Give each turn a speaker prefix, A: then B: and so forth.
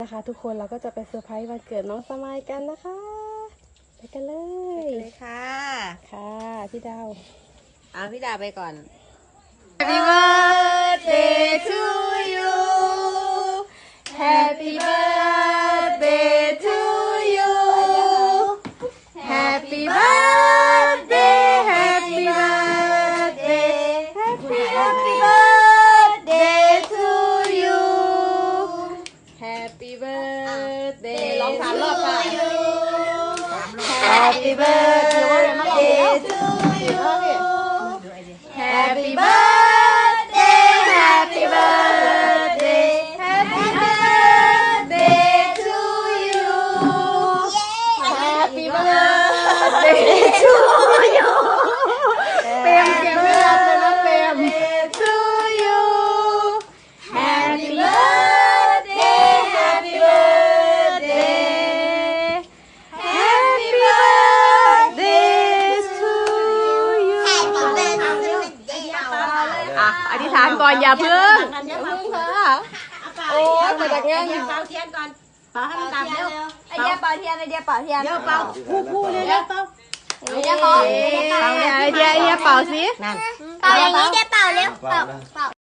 A: นะคะทุกคนเราก็จะไปเซอร์ไพรส์วันเกิดน้องสมัยกันนะคะไปกันเลย
B: เลยค่ะ
A: ค่ะพี่ดาว
B: เอาพี่ดาไปก่อน Happy birthday to you Happy birthday to you Happy birthday Happy birthday Happy birthday to you Happy birthday ร้อง3 รอบค่ะ Happy birthday to you Happy birthday Happy birthday Happy birthday to you Happy birthday to you เปรมเก็บไม่รับเลยนะเปรม to you Happy birthday Happy birthday Happy birthday to you อ่ะอธิษฐานก่อนอย่าเพิ่งค่ะโอ้ยมาจากงานเป่าเทียนก่อนเป่าให้มันดับเร็ว
C: ไอเดียเป่าเทียนไอเดียเป่าเทียน
B: เร็วเป่าคู่เร็วเป่า
C: ไอเดียเป่า
B: ไอเดียเป่าสิ
C: เป่าอย่างนี้เดียเป่าเร็วเป่า